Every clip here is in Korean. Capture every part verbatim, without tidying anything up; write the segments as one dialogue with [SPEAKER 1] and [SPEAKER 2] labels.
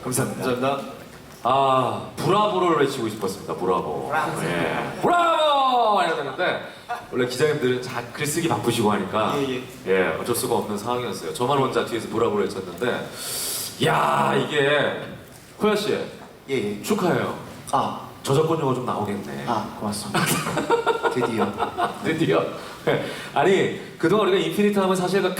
[SPEAKER 1] 감사합니다.
[SPEAKER 2] 감사합니다.
[SPEAKER 3] 아, 브라보를 외치고 싶었습니다. 브라보.
[SPEAKER 1] 브라보.
[SPEAKER 3] 예. 브라보! 해야 되는데 원래 기자님들은 자, 글쓰기 바쁘시고 하니까
[SPEAKER 2] 예,
[SPEAKER 3] 예, 어쩔 수가 없는 상황이었어요. 저만 혼자 뒤에서 브라보를 외쳤는데 야, 이게 호야 씨
[SPEAKER 1] 예, 예.
[SPEAKER 3] 축하해요.
[SPEAKER 1] 아,
[SPEAKER 3] 저작권 용어 좀 나오겠네.
[SPEAKER 1] 아, 고맙습니다. 드디어.
[SPEAKER 3] 드디어. 네. 아니 그동안 우리가 인피니트 하면 사실 그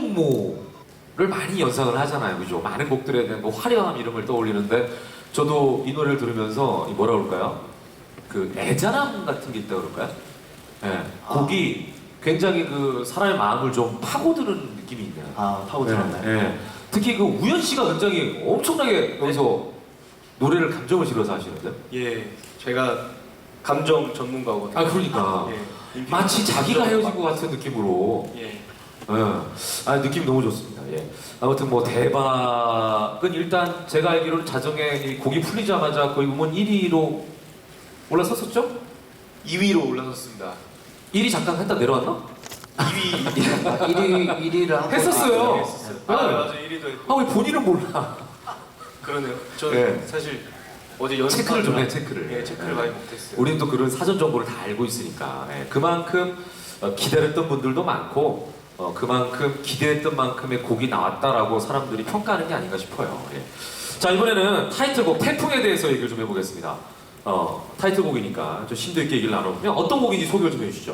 [SPEAKER 3] 칼군무를 많이 연상을 하잖아요, 그죠? 많은 곡들에 대한 그 화려함 이름을 떠올리는데 저도 이 노래를 들으면서 이 뭐라 그럴까요? 그 애잔함 같은 게 있다 그럴까요? 네. 곡이 굉장히 그 사람의 마음을 좀 파고드는 느낌이 있네요.
[SPEAKER 1] 아, 파고들었나요?
[SPEAKER 3] 네. 네. 특히 그 우연 씨가 굉장히 엄청나게 여기서 노래를 감정을 실어서 하시는데.
[SPEAKER 2] 예, 제가 감정 전문가거든요.
[SPEAKER 3] 아 그러니까.
[SPEAKER 2] 예. 인피니트
[SPEAKER 3] 마치 자기가
[SPEAKER 2] 감정
[SPEAKER 3] 헤어진 것 같은 느낌으로.
[SPEAKER 2] 예.
[SPEAKER 3] 예. 아 느낌 너무 좋습니다. 예. 아무튼 뭐 대박은 일단 제가 알기로는 자정에 이 곡이 풀리자마자 거의 음원 일 위로 올라섰었죠?
[SPEAKER 2] 이 위로 올라섰습니다.
[SPEAKER 3] 일 위 잠깐 했다 내려왔나?
[SPEAKER 2] 이 위
[SPEAKER 1] 아, 일 위, 일 위를 한
[SPEAKER 3] 했었어요.
[SPEAKER 2] 했었어요.
[SPEAKER 3] 네.
[SPEAKER 2] 아, 맞아, 일 위도 했고.
[SPEAKER 3] 아 왜 본인은 몰라?
[SPEAKER 2] 그러네요. 저는
[SPEAKER 3] 예.
[SPEAKER 2] 사실 어제 연습
[SPEAKER 3] 체크를 좀 해, 체크를.
[SPEAKER 2] 예, 체크를
[SPEAKER 3] 예.
[SPEAKER 2] 많이 못했어요.
[SPEAKER 3] 우리는 또 그런 사전 정보를 다 알고 있으니까 예. 그만큼 어, 기다렸던 분들도 많고 어, 그만큼 기대했던 만큼의 곡이 나왔다라고 사람들이 평가하는 게 아닌가 싶어요. 예. 자 이번에는 타이틀곡 태풍에 대해서 얘기를 좀 해보겠습니다. 어, 타이틀곡이니까 좀 심도 있게 얘기를 나눠보면 어떤 곡인지 소개를 좀 해주시죠.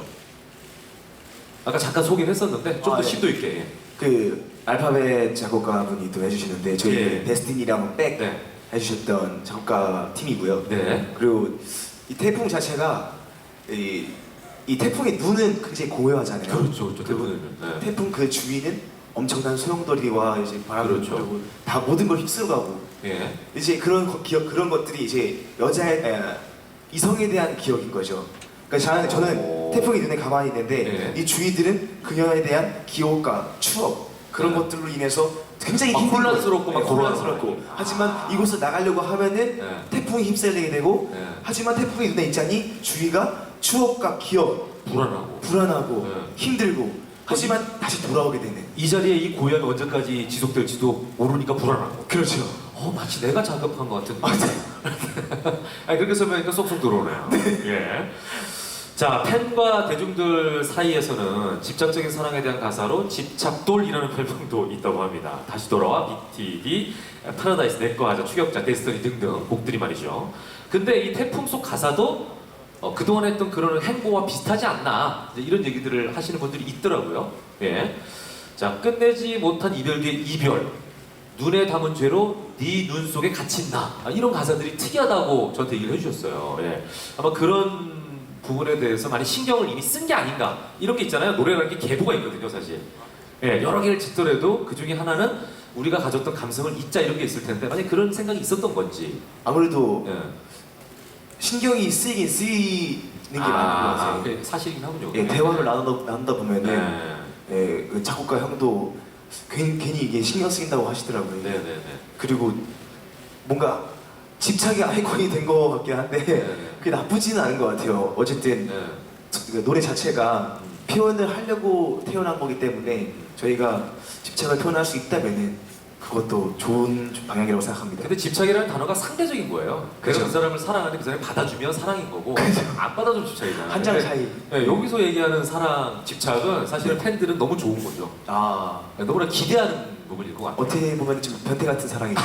[SPEAKER 3] 아까 잠깐 소개를 했었는데 좀 더
[SPEAKER 1] 아, 예.
[SPEAKER 3] 심도 있게. 예.
[SPEAKER 1] 그 알파벳 작곡가분이 또 해주시는데 저희
[SPEAKER 3] 예.
[SPEAKER 1] 데스티니랑 백
[SPEAKER 3] 네.
[SPEAKER 1] 해주셨던 작곡가 팀이고요.
[SPEAKER 3] 네.
[SPEAKER 1] 그리고 이 태풍 자체가 이, 이 태풍의 눈은 굉장히 고요하잖아요.
[SPEAKER 3] 그렇죠, 그렇죠.
[SPEAKER 1] 그리고
[SPEAKER 3] 태풍에는. 네.
[SPEAKER 1] 태풍 그 주위는 엄청난 소용돌이와 이제 바람이
[SPEAKER 3] 그렇죠.
[SPEAKER 1] 불고 다 모든 걸 휩쓸어가고
[SPEAKER 3] 예.
[SPEAKER 1] 이제 그런 거- 기억 그런 것들이 이제 여자의 에, 이성에 대한 기억인 거죠. 그러니까 저는, 저는
[SPEAKER 3] 오.
[SPEAKER 1] 태풍이 눈에 가만히 있는데
[SPEAKER 3] 네.
[SPEAKER 1] 이 주위들은 그녀에 대한 기억과 추억 그런
[SPEAKER 3] 네.
[SPEAKER 1] 것들로 인해서 굉장히
[SPEAKER 3] 막
[SPEAKER 1] 힘든
[SPEAKER 3] 혼란스럽고
[SPEAKER 1] 거예요.
[SPEAKER 3] 막
[SPEAKER 1] 네, 혼란스럽고
[SPEAKER 3] 돌아가고.
[SPEAKER 1] 하지만 이곳을 나가려고 하면은
[SPEAKER 3] 네.
[SPEAKER 1] 태풍이 휩쓸리게 되고
[SPEAKER 3] 네.
[SPEAKER 1] 하지만 태풍이 눈에 있자니 주위가 추억과 기억
[SPEAKER 3] 불안하고.
[SPEAKER 1] 불안하고
[SPEAKER 3] 네.
[SPEAKER 1] 힘들고 하지만 다시 돌아오게 되는
[SPEAKER 3] 이 자리에 이 고요함이 언제까지 지속될지도 모르니까 불안하고.
[SPEAKER 1] 그렇죠.
[SPEAKER 3] 어 마치 내가 자극한 것 같은.
[SPEAKER 1] 아, 네.
[SPEAKER 3] 아니 그렇게 설명하니까 쏙쏙 들어오네요. 예. 자 팬과 대중들 사이에서는 집착적인 사랑에 대한 가사로 집착돌이라는 별명도 있다고 합니다. 다시 돌아와, 비티디, 파라다이스, 내꺼 하자, 추격자, 데스티니 등등 곡들이 말이죠. 근데 이 태풍 속 가사도 어, 그동안 했던 그런 행보와 비슷하지 않나 이제 이런 얘기들을 하시는 분들이 있더라고요. 예. 자 끝내지 못한 이별의 이별, 눈에 담은 죄로 네 눈 속에 갇힌다. 아, 이런 가사들이 특이하다고 저한테 얘기를 해주셨어요. 예. 아마 그런 부분에 대해서 많이 신경을 이미 쓴 게 아닌가 이런 게 있잖아요. 노래라는 게 계보가 있거든요, 사실. 예, 여러 개를 짓더라도 그 중에 하나는 우리가 가졌던 감성을 잊자 이런 게 있을 텐데 만약 그런 생각이 있었던 건지.
[SPEAKER 1] 아무래도
[SPEAKER 3] 예.
[SPEAKER 1] 신경이 쓰이긴 쓰이는 게 많은 것
[SPEAKER 3] 아,
[SPEAKER 1] 같아요.
[SPEAKER 3] 그게 사실이긴 하군요.
[SPEAKER 1] 예, 대화를 나누다, 나누다 보면은
[SPEAKER 3] 네.
[SPEAKER 1] 예, 그 작곡가 형도 괜히, 괜히 이게 신경 쓰인다고 하시더라고요.
[SPEAKER 3] 네, 네, 네.
[SPEAKER 1] 그리고 뭔가 집착의 아이콘이 된 것 같긴 한데
[SPEAKER 3] 네.
[SPEAKER 1] 그게 나쁘지는 않은 것 같아요. 어쨌든
[SPEAKER 3] 네.
[SPEAKER 1] 그 노래 자체가 표현을 하려고 태어난 거기 때문에 저희가 집착을 표현할 수 있다면은 그것도 좋은 방향이라고 생각합니다.
[SPEAKER 3] 근데 집착이라는 단어가 상대적인 거예요. 내가
[SPEAKER 1] 그죠.
[SPEAKER 3] 그 사람을 사랑하는데 그 사람이 받아주면 사랑인 거고 안 받아주면 집착이잖아요.
[SPEAKER 1] 한 장
[SPEAKER 3] 근데,
[SPEAKER 1] 차이.
[SPEAKER 3] 예, 여기서 얘기하는 사랑, 집착은 사실은 팬들은 너무 좋은 거죠.
[SPEAKER 1] 아
[SPEAKER 3] 예, 너무나 기대하는 부분일 것 같아요.
[SPEAKER 1] 어떻게 보면 좀 변태 같은 사랑이죠.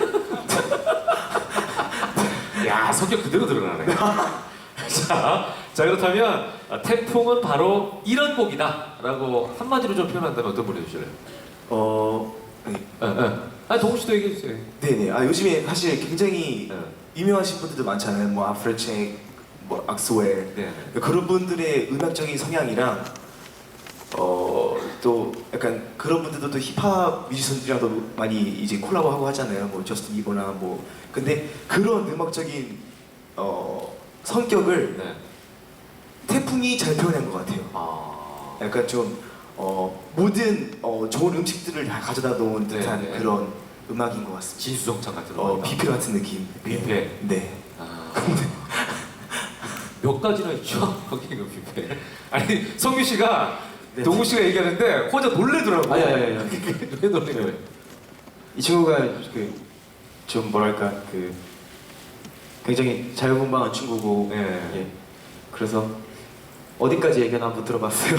[SPEAKER 3] 야 성격 그대로 드러나네. 자, 자 그렇다면 아, 태풍은 바로 이런 곡이다라고 한마디로 좀 표현한다면 어떤 분이 해주실래요?
[SPEAKER 1] 어, 네.
[SPEAKER 3] 예, 예. 아 동훈 씨도 얘기해 주세요.
[SPEAKER 1] 네네. 아 요즘에 사실 굉장히
[SPEAKER 3] 예.
[SPEAKER 1] 유명하신 분들도 많잖아요. 뭐 아프레체, 뭐 악스웰
[SPEAKER 3] 네.
[SPEAKER 1] 그런 분들의 음악적인 성향이랑 어, 또 약간 그런 분들도 또 힙합 뮤지션들이랑도 많이 이제 콜라보하고 하잖아요. 뭐 저스틴 비버나 뭐 근데 그런 음악적인 어, 성격을
[SPEAKER 3] 네.
[SPEAKER 1] 태풍이 잘 표현한 것 같아요.
[SPEAKER 3] 아.
[SPEAKER 1] 약간 좀 어, 모든 어, 좋은 음식들을 다 가져다 놓은 듯한
[SPEAKER 3] 네, 네.
[SPEAKER 1] 그런 음악인 것 같습니다.
[SPEAKER 3] 진수성찬 같은 거.
[SPEAKER 1] 어, 뷔페 같은 느낌.
[SPEAKER 3] 뷔페.
[SPEAKER 1] 네.
[SPEAKER 3] 아. 몇 가지나 있죠? 거기 그 뷔페. 아니 성규 씨가
[SPEAKER 1] 네.
[SPEAKER 3] 동우 씨가 얘기하는데 혼자 놀래더라고.
[SPEAKER 1] 아니, 아니, 아니, 아니.
[SPEAKER 3] 왜 놀래요?
[SPEAKER 1] 이 친구가 그 좀 뭐랄까 그 굉장히 자유분방한 친구고
[SPEAKER 3] 네.
[SPEAKER 1] 예. 그래서 어디까지 얘기나 한번 들어봤어요.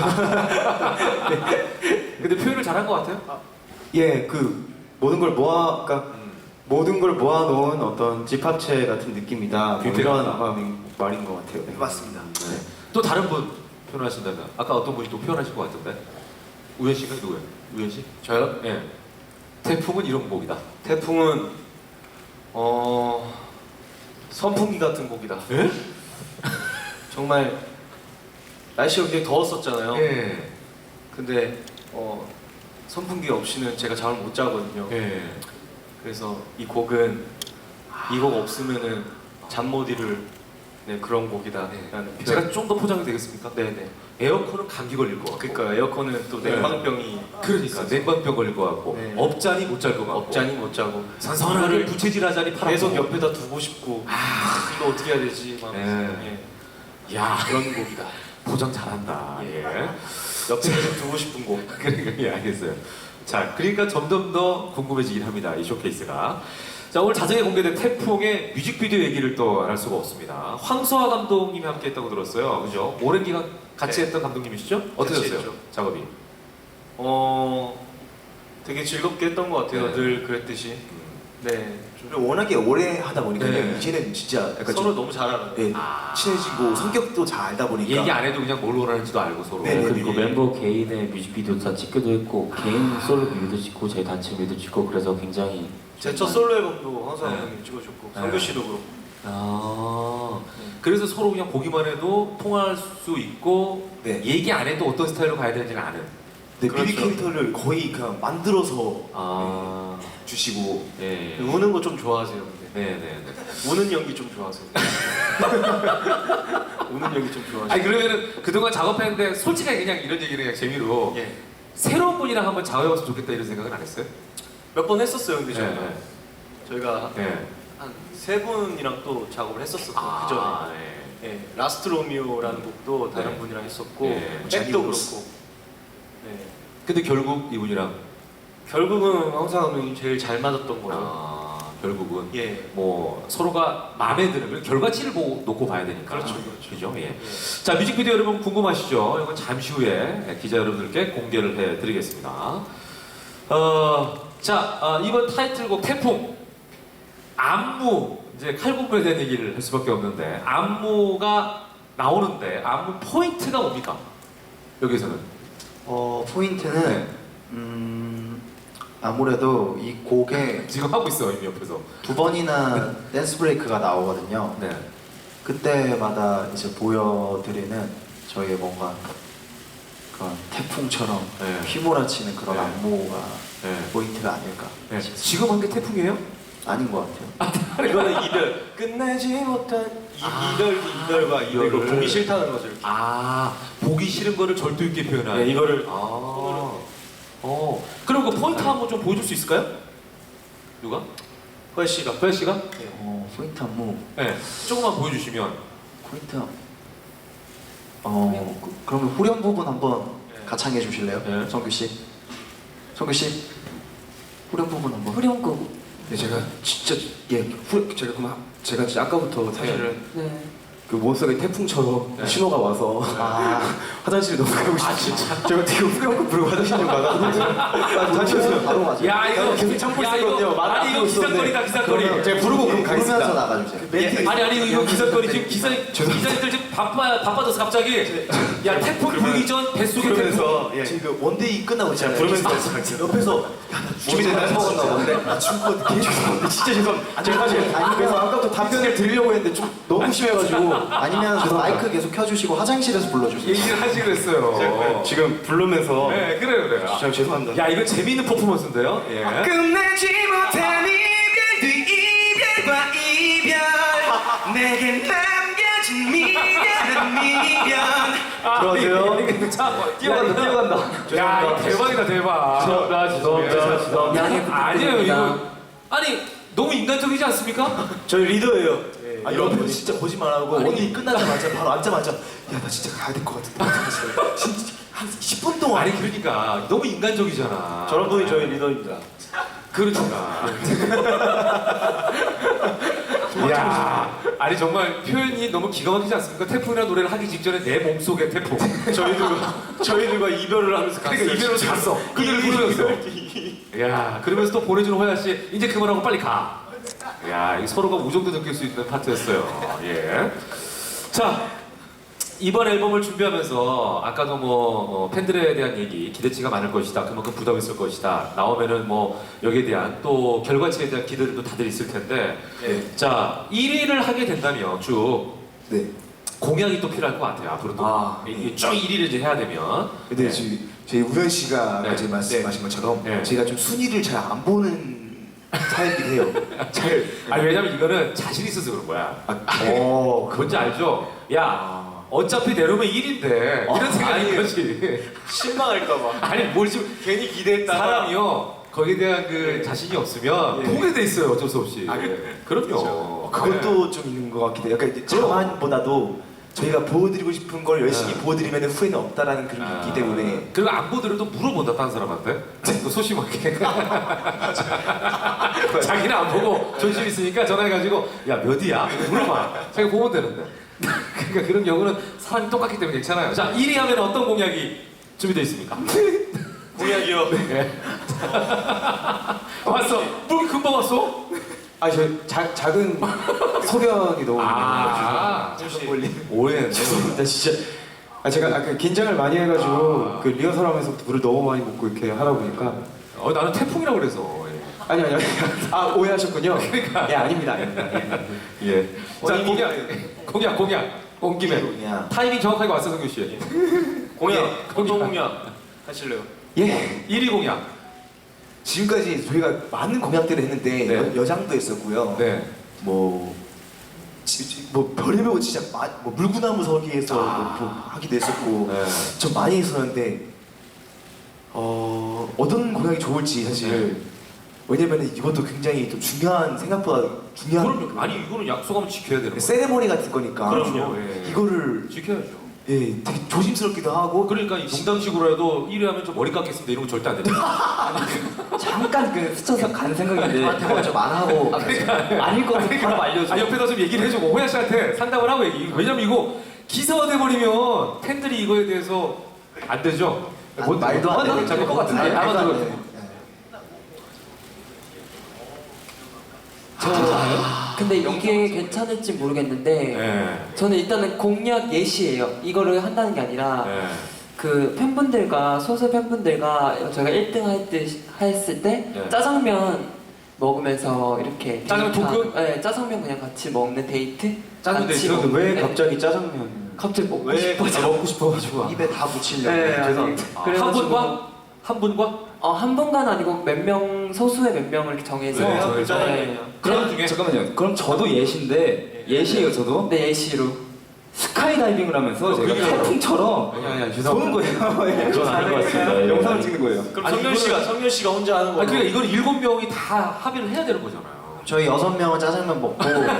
[SPEAKER 3] 근데 표현을 잘한 것 같아요.
[SPEAKER 1] 예, 그 모든 걸 모아, 그러니까
[SPEAKER 3] 음.
[SPEAKER 1] 모든 걸 모아놓은 어떤 집합체 같은 느낌이다. 뭐
[SPEAKER 3] 뷰티가
[SPEAKER 1] 이런
[SPEAKER 3] 나다.
[SPEAKER 1] 마음인 말인 것 같아요. 네.
[SPEAKER 2] 맞습니다.
[SPEAKER 3] 네. 또 다른 분 표현하신다면 아까 어떤 분이 또 표현하신 것 같은데 우현 씨가 누구예요? 우현 씨?
[SPEAKER 2] 저요?
[SPEAKER 3] 예. 태풍은 이런 곡이다.
[SPEAKER 2] 태풍은 어 선풍기 같은 곡이다.
[SPEAKER 3] 예?
[SPEAKER 2] 정말 날씨가 굉장히 더웠었잖아요.
[SPEAKER 3] 예.
[SPEAKER 2] 근데 어 선풍기 없이는 제가 잠을 못 자거든요.
[SPEAKER 3] 예.
[SPEAKER 2] 그래서 이 곡은 이 곡 없으면은 잠 못 이룰 네, 그런 곡이다라는
[SPEAKER 3] 네.
[SPEAKER 2] 표현.
[SPEAKER 3] 제가 좀 더 포장이 되겠습니까?
[SPEAKER 2] 네네.
[SPEAKER 3] 에어컨은 감기 걸릴 것 같고.
[SPEAKER 2] 그러니까 에어컨은 또
[SPEAKER 3] 네.
[SPEAKER 2] 냉방병이
[SPEAKER 3] 그러니까 냉방병 걸릴 것 같고
[SPEAKER 2] 네.
[SPEAKER 3] 업자니 못 잘 것 같고
[SPEAKER 2] 업자니 못 자고
[SPEAKER 3] 선선하게
[SPEAKER 2] 이거를
[SPEAKER 3] 부채질하자니 팔아
[SPEAKER 2] 계속 옆에다 두고 싶고 아 이거 어떻게 해야 되지? 막
[SPEAKER 3] 네.
[SPEAKER 2] 예.
[SPEAKER 3] 야
[SPEAKER 2] 그런 곡이다.
[SPEAKER 3] 포장 잘한다. 예.
[SPEAKER 2] 옆에 계속 두고 싶은 곡.
[SPEAKER 3] 그러니까 예 알겠어요. 자 그러니까 점점 더 궁금해지긴 합니다. 이 쇼케이스가. 자 오늘 자정에 공개된 태풍의 뮤직비디오 얘기를 또 안 할 수가 없습니다. 황소아 감독님이 함께했다고 들었어요. 그죠? 오랜 기간 같이
[SPEAKER 2] 네.
[SPEAKER 3] 했던 감독님이시죠?
[SPEAKER 2] 같이
[SPEAKER 3] 어떠셨어요?
[SPEAKER 2] 했죠.
[SPEAKER 3] 작업이?
[SPEAKER 2] 어 되게 즐겁게 했던 것 같아요.
[SPEAKER 3] 네.
[SPEAKER 2] 늘 그랬듯이. 네. 좀
[SPEAKER 1] 그리고 워낙에 오래 하다 보니까
[SPEAKER 3] 네.
[SPEAKER 1] 이제는 진짜 약간
[SPEAKER 2] 서로
[SPEAKER 1] 좀,
[SPEAKER 2] 너무 잘 알아요.
[SPEAKER 1] 예,
[SPEAKER 3] 아.
[SPEAKER 1] 친해지고 성격도 잘 알다 보니까
[SPEAKER 3] 얘기 안 해도 그냥 뭘 원하는지도 알고 서로.
[SPEAKER 1] 네, 네.
[SPEAKER 4] 그리고 멤버 개인의 뮤직비디오 다 찍기도 했고 개인 솔로 뮤비도 찍고 저희 단체 뮤비도 찍고 그래서 굉장히
[SPEAKER 2] 제 첫 솔로 앨범도 황사
[SPEAKER 3] 네.
[SPEAKER 2] 감독님 찍어줬고
[SPEAKER 3] 네.
[SPEAKER 2] 성규 씨도 그렇고.
[SPEAKER 3] 아,
[SPEAKER 2] 네.
[SPEAKER 3] 그래서 서로 그냥 보기만 해도 통할 수 있고
[SPEAKER 1] 네.
[SPEAKER 3] 얘기 안 해도 어떤 스타일로 가야 되는지는 아는.
[SPEAKER 1] 네,
[SPEAKER 2] 그렇죠.
[SPEAKER 1] 뮤비 캐릭터를 거의 그냥 만들어서
[SPEAKER 3] 아,
[SPEAKER 1] 주시고
[SPEAKER 3] 예.
[SPEAKER 2] 우는 거 좀 좋아하세요, 근데.
[SPEAKER 3] 네, 네, 네.
[SPEAKER 2] 우는 연기 좀 좋아하세요. 우는 연기 좀 좋아하세요.
[SPEAKER 3] 아니 그러면은 그동안 작업했는데 솔직하게 그냥 이런 얘기를 그냥 재미로
[SPEAKER 2] 예.
[SPEAKER 3] 새로운 분이랑 한번 작업해봤으면 좋겠다 이런 생각은 안 했어요?
[SPEAKER 2] 몇 번 했었어요, 근데
[SPEAKER 3] 네,
[SPEAKER 2] 저희가.
[SPEAKER 3] 네.
[SPEAKER 2] 저희가
[SPEAKER 3] 네.
[SPEAKER 2] 한 세 분이랑 또 작업을 했었어요.
[SPEAKER 3] 아,
[SPEAKER 2] 그 전에.
[SPEAKER 3] 네.
[SPEAKER 2] 예, 라스트 로미오라는 곡도 다른
[SPEAKER 3] 네.
[SPEAKER 2] 분이랑 했었고
[SPEAKER 3] 네.
[SPEAKER 2] 백도
[SPEAKER 1] 자니우스.
[SPEAKER 2] 그렇고. 네.
[SPEAKER 3] 근데 결국 이분이랑
[SPEAKER 2] 결국은 황사 감독님 제일 잘 맞았던 거예요.
[SPEAKER 3] 아, 결국은
[SPEAKER 2] 예.
[SPEAKER 3] 뭐 서로가 마음에 드는 그리고 결과치를 보고 놓고 봐야 되니까.
[SPEAKER 2] 그렇죠, 그렇죠.
[SPEAKER 3] 그죠? 예.
[SPEAKER 2] 예.
[SPEAKER 3] 자 뮤직비디오 여러분 궁금하시죠? 이건 잠시 후에 기자 여러분들께 공개를 해드리겠습니다. 어, 자 어, 이번 타이틀곡 태풍 안무 이제 칼군무에 대한 얘기를 할 수밖에 없는데 안무가 나오는데 안무 포인트가 뭡니까? 여기서는
[SPEAKER 5] 어 포인트는
[SPEAKER 3] 네.
[SPEAKER 5] 음 아무래도 이 곡에
[SPEAKER 3] 지금 하고 있어 이미 옆에서.
[SPEAKER 5] 두 번이나 댄스 브레이크가 나오거든요.
[SPEAKER 3] 네.
[SPEAKER 5] 그때마다 이제 보여드리는 저희의 뭔가 그런 태풍처럼
[SPEAKER 3] 네.
[SPEAKER 5] 휘몰아치는 그런
[SPEAKER 3] 네.
[SPEAKER 5] 안무가
[SPEAKER 3] 네.
[SPEAKER 5] 포인트가 아닐까
[SPEAKER 3] 네.
[SPEAKER 5] 싶습니다.
[SPEAKER 3] 지금 한 게 태풍이에요?
[SPEAKER 5] 아닌 것 같아요.
[SPEAKER 2] 이거는 이별. 끝내지 못한 이,
[SPEAKER 3] 아.
[SPEAKER 2] 이별, 이별과 이별을
[SPEAKER 3] 이거를.
[SPEAKER 2] 보기 싫다는 거죠. 이렇게.
[SPEAKER 3] 아 보기 싫은 거를 절도 있게 표현하는.
[SPEAKER 2] 네, 이거를
[SPEAKER 3] 아. 어. 그럼 그 포인트 한번 좀 보여줄 수 있을까요? 누가?
[SPEAKER 2] 허혜 씨가.
[SPEAKER 3] 허혜 씨가?
[SPEAKER 5] 어 포인트 안무
[SPEAKER 3] 네. 조금만 보여주시면.
[SPEAKER 5] 포인트 안- 어 그- 그러면 후렴 부분 한번
[SPEAKER 2] 네.
[SPEAKER 5] 가창해 주실래요?
[SPEAKER 3] 네.
[SPEAKER 5] 성규 씨. 성규 씨 후렴 부분 한번.
[SPEAKER 4] 후렴 곡
[SPEAKER 1] 네, 제가 진짜 예 후, 제가 그만 제가 진짜 아까부터 사실은
[SPEAKER 4] 네.
[SPEAKER 1] 그 몸속에 태풍처럼
[SPEAKER 3] 네.
[SPEAKER 1] 신호가 와서
[SPEAKER 5] 아
[SPEAKER 1] 화장실에 너무 가고 싶어요.
[SPEAKER 3] 아 진짜.
[SPEAKER 1] 제가 되게 후렴구 부르고 화장실 좀 가다가 잠시만요.
[SPEAKER 5] 바로 맞아요.
[SPEAKER 3] 야 이거
[SPEAKER 1] 계속 참고
[SPEAKER 3] 야,
[SPEAKER 1] 있었거든요.
[SPEAKER 3] 이거,
[SPEAKER 1] 말을
[SPEAKER 3] 아니
[SPEAKER 1] 안
[SPEAKER 3] 이거
[SPEAKER 1] 하고 있었는데.
[SPEAKER 3] 기사거리다 기사거리.
[SPEAKER 5] 그러면
[SPEAKER 1] 제가 부르고 그럼
[SPEAKER 5] 부르면서
[SPEAKER 1] 가겠습니다.
[SPEAKER 5] 나가주세요.
[SPEAKER 1] 멘트
[SPEAKER 3] 아니 아니 이거 기사거리 지금 기사 기사님들 지금 바빠 바빠져서 갑자기 야 태풍 부르기 전 뱃속에 태풍.
[SPEAKER 2] 부르면서 예.
[SPEAKER 1] 지금 그 원데이 끝나고 있잖아요.
[SPEAKER 2] 부르면서
[SPEAKER 1] 옆에서 야나 준비됐나
[SPEAKER 5] 먹었나 본데?
[SPEAKER 1] 나 죽을 것 같아. 죄송합니다. 진짜 죄송합니다. 제가 사실
[SPEAKER 5] 아니,
[SPEAKER 1] 그래서 아까부터 답변을 드리려고 했는데 좀 너무 심해가지고
[SPEAKER 5] 아니면 마이크 계속 켜주시고 화장실에서 불러주세요.
[SPEAKER 3] 얘기를 하시기로 했어요.
[SPEAKER 1] 지금 부르면서
[SPEAKER 3] 네 그래요 그래요.
[SPEAKER 1] 진짜 죄송합니다.
[SPEAKER 3] 야 이거 재미있는 퍼포먼스인데요. 예.
[SPEAKER 2] 끝내지 못한 이별 뒤 이별과 이별 내게 남겨진 미련한 미련.
[SPEAKER 1] 들어가세요.
[SPEAKER 3] 이거 참
[SPEAKER 1] 뛰어간다, 뛰어간다.
[SPEAKER 3] 야 이거 대박이다 대박.
[SPEAKER 1] 죄송합니다, 죄송합니다, 죄송합니다.
[SPEAKER 4] 양해
[SPEAKER 3] 아니에요
[SPEAKER 4] 부탁드립니다.
[SPEAKER 3] 이거 아니 너무 인간적이지 않습니까?
[SPEAKER 2] 저희 리더예요.
[SPEAKER 1] 아 옆에서 진짜 거짓말하고
[SPEAKER 3] 아니.
[SPEAKER 1] 원데이 끝나자마자 바로 앉자마자 야 나 진짜 가야 될 것 같은데 어떡하지? 진짜 한 십 분 동안
[SPEAKER 3] 아니 그러니까 너무 인간적이잖아.
[SPEAKER 2] 저런 분이 저희 리더입니다.
[SPEAKER 3] 그러니까. 야, 아니 정말 표현이 너무 기가 막히지 않습니까? 태풍이라는 노래를 하기 직전에 내 몸속에 태풍.
[SPEAKER 2] 저희들과 저희들과 이별을 하면서
[SPEAKER 3] 그러니까
[SPEAKER 2] 갔어요.
[SPEAKER 3] 이별로
[SPEAKER 2] 진짜.
[SPEAKER 3] 잤어. 그들을 부르면서. 야, 그러면서 또 보내주는 호야 씨 이제 그만하고 빨리 가. 야, 이 서로가 우정도 느낄 수 있는 파트였어요. 예. 자, 이번 앨범을 준비하면서 아까도 뭐 어, 팬들에 대한 얘기 기대치가 많을 것이다. 그만큼 부담이 있을 것이다. 나오면은 뭐 여기에 대한 또 결과치에 대한 기대들도 다들 있을 텐데.
[SPEAKER 1] 네.
[SPEAKER 3] 자, 일 위를 하게 된다면 쭉
[SPEAKER 1] 네.
[SPEAKER 3] 공약이 또 필요할 것 같아요. 앞으로 또
[SPEAKER 1] 아,
[SPEAKER 3] 이게 쭉 일 위를 이제 해야 되면.
[SPEAKER 1] 근데
[SPEAKER 3] 네.
[SPEAKER 1] 저희, 저희 우현 씨가
[SPEAKER 3] 네.
[SPEAKER 1] 어제 말씀하신 것처럼
[SPEAKER 3] 네.
[SPEAKER 1] 제가 좀 순위를 잘 안 보는 타입이긴 해요. 잘.
[SPEAKER 3] 아니 왜냐면 이거는 자신 있어서 그런 거야.
[SPEAKER 1] 아, 어,
[SPEAKER 3] 뭔지 알죠? 야, 어차피 내려오면 일 위인데 이런 생각인 거지.
[SPEAKER 2] 실망할까봐.
[SPEAKER 3] 아니 뭘 지금
[SPEAKER 2] 괜히 기대했다가
[SPEAKER 3] 사람이요 거기에 대한 그 자신이 없으면
[SPEAKER 1] 예.
[SPEAKER 3] 포기돼 있어요 어쩔 수 없이.
[SPEAKER 2] 아,
[SPEAKER 3] 그, 그럼요.
[SPEAKER 1] 어, 그것도 좀 있는 것 같기도 해요. 약간 이제 자만보다도 저희가 보여드리고 싶은 걸 열심히
[SPEAKER 3] 네.
[SPEAKER 1] 보여드리면 후회는 없다라는 그런 게
[SPEAKER 3] 아,
[SPEAKER 1] 있기 때문에
[SPEAKER 3] 그리고 안 보더라도 물어본다 다른 사람한테 또 소심하게 자기는 안 보고 존심 있으니까 전화해가지고 야 몇 위야 물어봐 자기가 보면 되는데 그러니까 그런 경우는 사람이 똑같기 때문에 괜찮아요. 자 일 위 하면 어떤 공약이 준비되어 있습니까?
[SPEAKER 2] 공약이요.
[SPEAKER 3] 네. 왔어 뭐 금방 왔어?
[SPEAKER 5] 아, 저 자, 작은 소변이 너무
[SPEAKER 3] 아 오해했네.
[SPEAKER 5] 죄송합니다 진짜. 아 제가 아까 긴장을 많이 해가지고
[SPEAKER 3] 아.
[SPEAKER 5] 그 리허설하면서 물을 너무 많이 먹고 이렇게 하다 보니까
[SPEAKER 3] 어 나는 태풍이라고 그래서 예.
[SPEAKER 5] 아니 아니 아니 아 오해하셨군요.
[SPEAKER 3] 그러니까.
[SPEAKER 5] 예 아닙니다 아닙니다. 예.
[SPEAKER 3] 예. 자
[SPEAKER 2] 원인이-
[SPEAKER 3] 공약 공약 공약 온 김에
[SPEAKER 1] 그냥
[SPEAKER 3] 타이밍 정확하게 왔어 성규 씨.
[SPEAKER 2] 공약.
[SPEAKER 3] 예,
[SPEAKER 2] 어떤 공약 하실래요?
[SPEAKER 5] 예.
[SPEAKER 3] 일 위 공약.
[SPEAKER 1] 지금까지 저희가 많은 공약들을 했는데
[SPEAKER 3] 네.
[SPEAKER 1] 여, 여장도 했었고요.
[SPEAKER 3] 네.
[SPEAKER 1] 뭐, 지, 지, 뭐 별의별 진짜 마, 뭐 물구나무 서기에서
[SPEAKER 3] 아.
[SPEAKER 1] 뭐, 뭐 하기도 했었고
[SPEAKER 3] 네.
[SPEAKER 1] 좀 많이 했었는데 어, 어떤 공약이 좋을지 사실
[SPEAKER 3] 네.
[SPEAKER 1] 왜냐면 이것도 굉장히 또 중요한 생각보다 중요한
[SPEAKER 3] 그럼 아니 이거는 약속하면 지켜야 되는 거예요.
[SPEAKER 1] 세레머니 같은 거니까
[SPEAKER 3] 그럼요. 예.
[SPEAKER 1] 이거를
[SPEAKER 3] 지켜야죠.
[SPEAKER 1] 예 되게 조심스럽기도 하고
[SPEAKER 3] 그러니까 이 농담식으로 해도 일 위 하면 좀 머리 깎겠습니다 이런 거 절대 안 됩니다.
[SPEAKER 4] 잠깐 그 스쳐서 간 생각인데
[SPEAKER 1] 저한테 먼저 말하고
[SPEAKER 4] 아닐 거라고 바로 알려줘.
[SPEAKER 3] 아 옆에다 좀 얘기를 해주고 호야 씨한테 상담을 하고 얘기. 왜냐면 이거 기사화 돼버리면 팬들이 이거에 대해서 안 되죠.
[SPEAKER 1] 아,
[SPEAKER 3] 뭐,
[SPEAKER 1] 말도 안
[SPEAKER 3] 뭐,
[SPEAKER 1] 되는
[SPEAKER 3] 잠깐
[SPEAKER 4] 것 같은데.
[SPEAKER 3] 아,
[SPEAKER 1] 말도
[SPEAKER 3] 아마도
[SPEAKER 1] 안 돼.
[SPEAKER 6] 근데 이게 괜찮을지 모르겠는데
[SPEAKER 3] 네.
[SPEAKER 6] 저는 일단은 공약 예시예요. 이거를 한다는 게 아니라
[SPEAKER 3] 네.
[SPEAKER 6] 그 팬분들과 소수 팬분들과 저희가 일 등 할 때 했을 때
[SPEAKER 3] 네.
[SPEAKER 6] 짜장면 먹으면서 이렇게
[SPEAKER 3] 짜장면
[SPEAKER 6] 데이트
[SPEAKER 3] 토크?
[SPEAKER 6] 하- 네, 짜장면 그냥 같이 먹는 데이트.
[SPEAKER 3] 짜장면
[SPEAKER 6] 같이
[SPEAKER 3] 데이트?
[SPEAKER 6] 먹는-
[SPEAKER 5] 왜
[SPEAKER 6] 네.
[SPEAKER 5] 갑자기 짜장면
[SPEAKER 6] 갑자기 먹고
[SPEAKER 2] 왜
[SPEAKER 6] 싶어.
[SPEAKER 5] 아, 먹고 싶어가지고
[SPEAKER 1] 입에 다 묻히려고
[SPEAKER 6] 네, 아니,
[SPEAKER 5] 죄송합니다.
[SPEAKER 3] 아, 한
[SPEAKER 6] 그래가지고-
[SPEAKER 3] 분과 한 분과
[SPEAKER 6] 어, 한 분간 아니고 몇 명 소수의 몇 명을 이렇게 정해서
[SPEAKER 3] 네, 정해서.
[SPEAKER 6] 네.
[SPEAKER 3] 그런 중에
[SPEAKER 5] 잠깐만요. 그럼 저도 예시인데 예시예요 저도
[SPEAKER 6] 네, 예시로.
[SPEAKER 5] 스카이다이빙을 하면서 제가
[SPEAKER 3] 그러게요.
[SPEAKER 5] 태풍처럼
[SPEAKER 3] 아니 아니 아니
[SPEAKER 5] 쏘는
[SPEAKER 3] 죄송합니다.
[SPEAKER 5] 거예요.
[SPEAKER 4] 그건 아닌 것 같습니다. 예.
[SPEAKER 5] 영상을 찍는 거예요.
[SPEAKER 2] 그럼
[SPEAKER 3] 아니,
[SPEAKER 2] 성현
[SPEAKER 3] 이거는-
[SPEAKER 2] 씨가 성현 씨가 혼자 하는 거.
[SPEAKER 3] 아니 그러니까 이건 일곱 명이 다 합의를 해야 되는 거잖아요.
[SPEAKER 1] 저희 여섯 명은 짜장면 먹고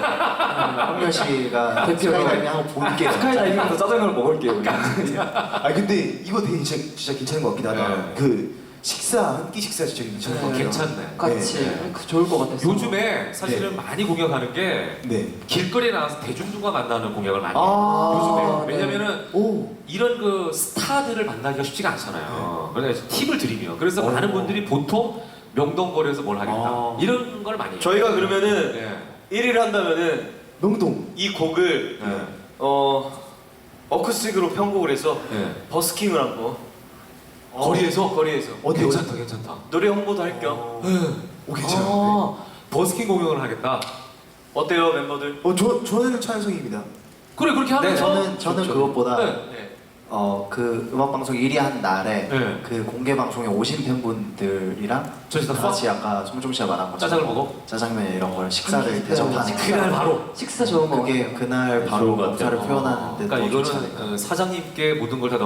[SPEAKER 1] 황렬 씨가
[SPEAKER 6] 대표로.
[SPEAKER 1] 스카이다이빙 하고 볼게요.
[SPEAKER 5] 스카이다이빙에서 짜장면을 먹을게요.
[SPEAKER 1] 아 근데 이거 되게 진짜, 진짜 괜찮은 것 같긴 하다.
[SPEAKER 3] 네.
[SPEAKER 1] 그 식사 한 끼 식사 진짜 괜찮은 것
[SPEAKER 6] 네.
[SPEAKER 1] 같아요.
[SPEAKER 3] 괜찮네.
[SPEAKER 6] 같이
[SPEAKER 1] 네.
[SPEAKER 6] 그 좋을 것 같아서.
[SPEAKER 3] 요즘에 사실은 많이 공약하는 게
[SPEAKER 1] 네.
[SPEAKER 3] 길거리에 나와서 대중들과 만나는 공약을 많이 해요.
[SPEAKER 1] 아,
[SPEAKER 3] 요즘에.
[SPEAKER 6] 네.
[SPEAKER 3] 왜냐면은
[SPEAKER 1] 오.
[SPEAKER 3] 이런 그 스타들을 만나기가 쉽지가 않잖아요. 그래서 팁을 드리면 그래서
[SPEAKER 1] 오.
[SPEAKER 3] 많은 분들이 보통 명동거리에서 뭘 하겠다
[SPEAKER 1] 아.
[SPEAKER 3] 이런 걸 많이 해요.
[SPEAKER 2] 저희가 그러면은
[SPEAKER 3] 네.
[SPEAKER 2] 일 위를 한다면은
[SPEAKER 1] 명동.
[SPEAKER 2] 이 곡을
[SPEAKER 3] 네.
[SPEAKER 2] 어 어쿠스틱으로 편곡을 해서
[SPEAKER 3] 네.
[SPEAKER 2] 버스킹을 한번
[SPEAKER 3] 거리에서?
[SPEAKER 2] 거리에서
[SPEAKER 1] 어디
[SPEAKER 3] 괜찮다 괜찮다.
[SPEAKER 2] 노래 홍보도 할 겸
[SPEAKER 1] 오 괜찮은데.
[SPEAKER 3] 아, 버스킹 공연을 하겠다.
[SPEAKER 2] 어때요 멤버들?
[SPEAKER 1] 어, 저 저는 찬성입니다.
[SPEAKER 3] 그래 그렇게 하면
[SPEAKER 7] 네, 저는 저는
[SPEAKER 3] 좋죠.
[SPEAKER 7] 그것보다
[SPEAKER 3] 네.
[SPEAKER 2] 네.
[SPEAKER 7] 어 그 음악 방송 일 위 한 날에
[SPEAKER 3] 네.
[SPEAKER 7] 그 공개 방송에 오신 팬분들이랑
[SPEAKER 3] 저희 다
[SPEAKER 7] 같이 아까 송종 씨가 말한 것처럼
[SPEAKER 3] 짜장을 먹어?
[SPEAKER 7] 짜장면 이런 걸 식사를
[SPEAKER 6] 식사
[SPEAKER 7] 대접하는
[SPEAKER 3] 그날 바로.
[SPEAKER 6] 식사 좋은 거
[SPEAKER 7] 그게 그날
[SPEAKER 4] 네,
[SPEAKER 7] 바로
[SPEAKER 4] 좋은 것 같아요.
[SPEAKER 7] 감사를 표현하는데
[SPEAKER 3] 그러니까
[SPEAKER 7] 더 좋지
[SPEAKER 3] 이거는
[SPEAKER 7] 않을까.
[SPEAKER 3] 어, 사장님께 모든 걸 다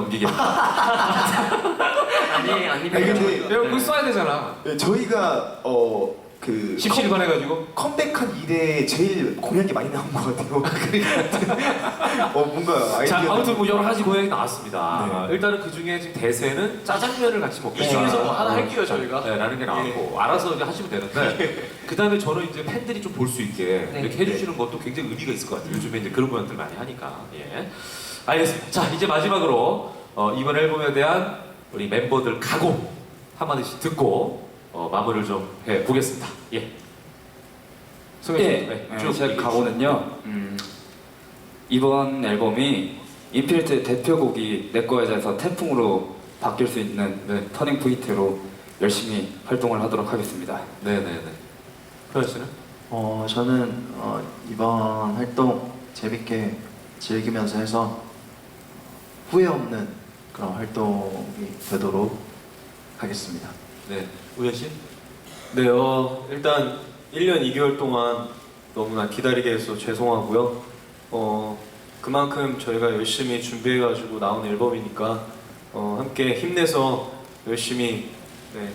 [SPEAKER 3] 넘기겠다.
[SPEAKER 6] 아니 아니
[SPEAKER 1] 아니, 근데
[SPEAKER 3] 내가 그거 써야 되잖아.
[SPEAKER 1] 네, 저희가 어 그
[SPEAKER 3] 십시일반해가지고
[SPEAKER 1] 컴, 컴백한 이래 제일 공약이 많이 나온 것 같아요. 그러니까 어 뭔가 아이디어.
[SPEAKER 3] 자 아무튼 뭐 여러 가지 고양이 나왔습니다.
[SPEAKER 1] 네.
[SPEAKER 3] 아, 일단은 그 중에 지금 대세는 짜장면을 같이 먹자.
[SPEAKER 2] 이 중에서 뭐 하나 할게요, 저희가.
[SPEAKER 3] 네, 라는 게 나왔고 알아서 이제 하시면 되는데 그 다음에 저는 이제 팬들이 좀 볼 수 있게
[SPEAKER 6] 네.
[SPEAKER 3] 이렇게 해주시는 것도 굉장히 의미가 있을 것 같아요. 요즘에 이제 그런 분들 많이 하니까. 예. 알겠습니다. 자 이제 마지막으로 어, 이번 앨범에 대한 우리 멤버들 각오 한마디씩 듣고 어, 마무리를 좀 해보겠습니다. 예. 성현 씨,
[SPEAKER 4] 예,
[SPEAKER 3] 네,
[SPEAKER 4] 네,
[SPEAKER 3] 쭉
[SPEAKER 4] 제
[SPEAKER 3] 얘기해
[SPEAKER 4] 각오는요. 음, 이번 앨범이 인피니트의 대표곡이 내 거에 대해서 태풍으로 바뀔 수 있는
[SPEAKER 3] 네.
[SPEAKER 4] 터닝 포인트로 열심히 활동을 하도록 하겠습니다.
[SPEAKER 3] 네네네. 효연 씨는?
[SPEAKER 7] 어 저는 어, 이번 활동 재밌게 즐기면서 해서 후회 없는 그런 활동이 되도록 하겠습니다.
[SPEAKER 3] 네. 우현 씨?
[SPEAKER 2] 네, 어, 일단 일 년 이 개월 동안 너무나 기다리게 해서 죄송하고요. 어, 그만큼 저희가 열심히 준비해가지고 나온 앨범이니까 어, 함께 힘내서 열심히 네,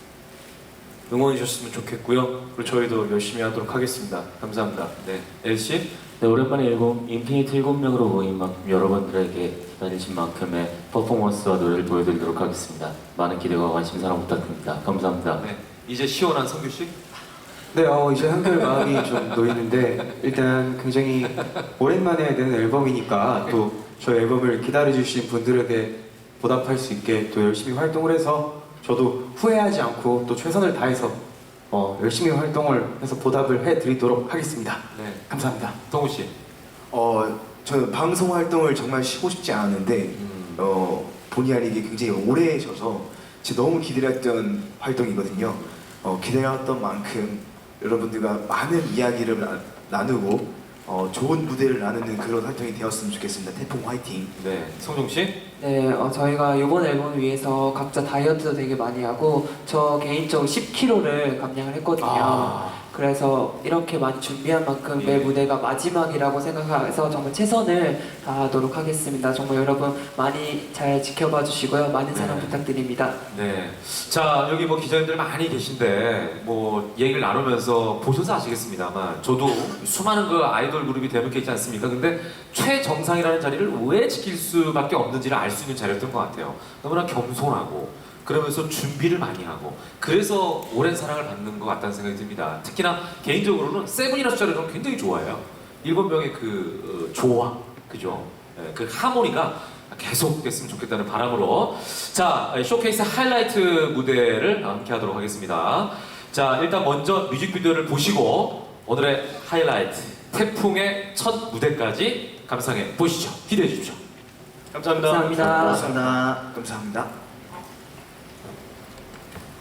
[SPEAKER 2] 응원해 주셨으면 좋겠고요. 그리고 저희도 열심히 하도록 하겠습니다. 감사합니다.
[SPEAKER 3] 네. 엘 씨?
[SPEAKER 4] 네, 오랜만에 앨범 인피니트 일곱 명으로 모인 만큼 여러분들에게 기다리신 만큼의 퍼포먼스와 노래를 보여드리도록 하겠습니다. 많은 기대와 관심 사랑 부탁드립니다. 감사합니다.
[SPEAKER 3] 네. 이제 시원한 성규 씨?
[SPEAKER 8] 네, 어, 이제 한결 마음이 좀 놓이는데 일단 굉장히 오랜만에 내는 앨범이니까 또 저희 앨범을 기다려주신 분들에게 보답할 수 있게 또 열심히 활동을 해서 저도 후회하지 않고 또 최선을 다해서 어, 열심히 활동을 해서 보답을 해드리도록 하겠습니다.
[SPEAKER 3] 네.
[SPEAKER 8] 감사합니다.
[SPEAKER 3] 동우 씨?
[SPEAKER 1] 어 저는 방송 활동을 정말 쉬고 싶지 않았는데
[SPEAKER 3] 음.
[SPEAKER 1] 어 본의 아니게 굉장히 오래 져서 제가 너무 기다렸던 활동이거든요. 어, 기다렸던 만큼 여러분들과 많은 이야기를 나, 나누고 어, 좋은 무대를 나누는 그런 활동이 되었으면 좋겠습니다. 태풍 화이팅!
[SPEAKER 3] 네. 성종 씨?
[SPEAKER 6] 네, 어, 저희가 이번 앨범을 위해서 각자 다이어트도 되게 많이 하고 저 개인적으로 십 킬로그램를 감량을 했거든요.
[SPEAKER 3] 아.
[SPEAKER 6] 그래서 이렇게 많이 준비한 만큼 매
[SPEAKER 3] 예.
[SPEAKER 6] 무대가 마지막이라고 생각해서 정말 최선을 다하도록 하겠습니다. 정말 여러분 많이 잘 지켜봐 주시고요. 많은 사랑
[SPEAKER 3] 네.
[SPEAKER 6] 부탁드립니다.
[SPEAKER 3] 네. 자, 여기 뭐 기자님들 많이 계신데, 뭐, 얘기를 나누면서 보셔서 아시겠습니다만, 저도 수많은 그 아이돌 그룹이 대목해 있지 않습니까? 근데 최정상이라는 자리를 왜 지킬 수밖에 없는지를 알 수 있는 자리였던 것 같아요. 너무나 겸손하고, 그러면서 준비를 많이 하고, 그래서 오랜 사랑을 받는 것 같다는 생각이 듭니다. 특히나 개인적으로는 세븐이나 숫자를 저는 굉장히 좋아해요. 일곱 명의 그 어, 조화, 그죠? 예, 그 하모니가 계속 됐으면 좋겠다는 바람으로 자 쇼케이스 하이라이트 무대를 함께 하도록 하겠습니다. 자 일단 먼저 뮤직비디오를 보시고 오늘의 하이라이트 태풍의 첫 무대까지 감상해 보시죠. 기대해 주십시오.
[SPEAKER 2] 감사합니다.
[SPEAKER 6] 감사합니다.
[SPEAKER 1] 감사합니다. 감사합니다.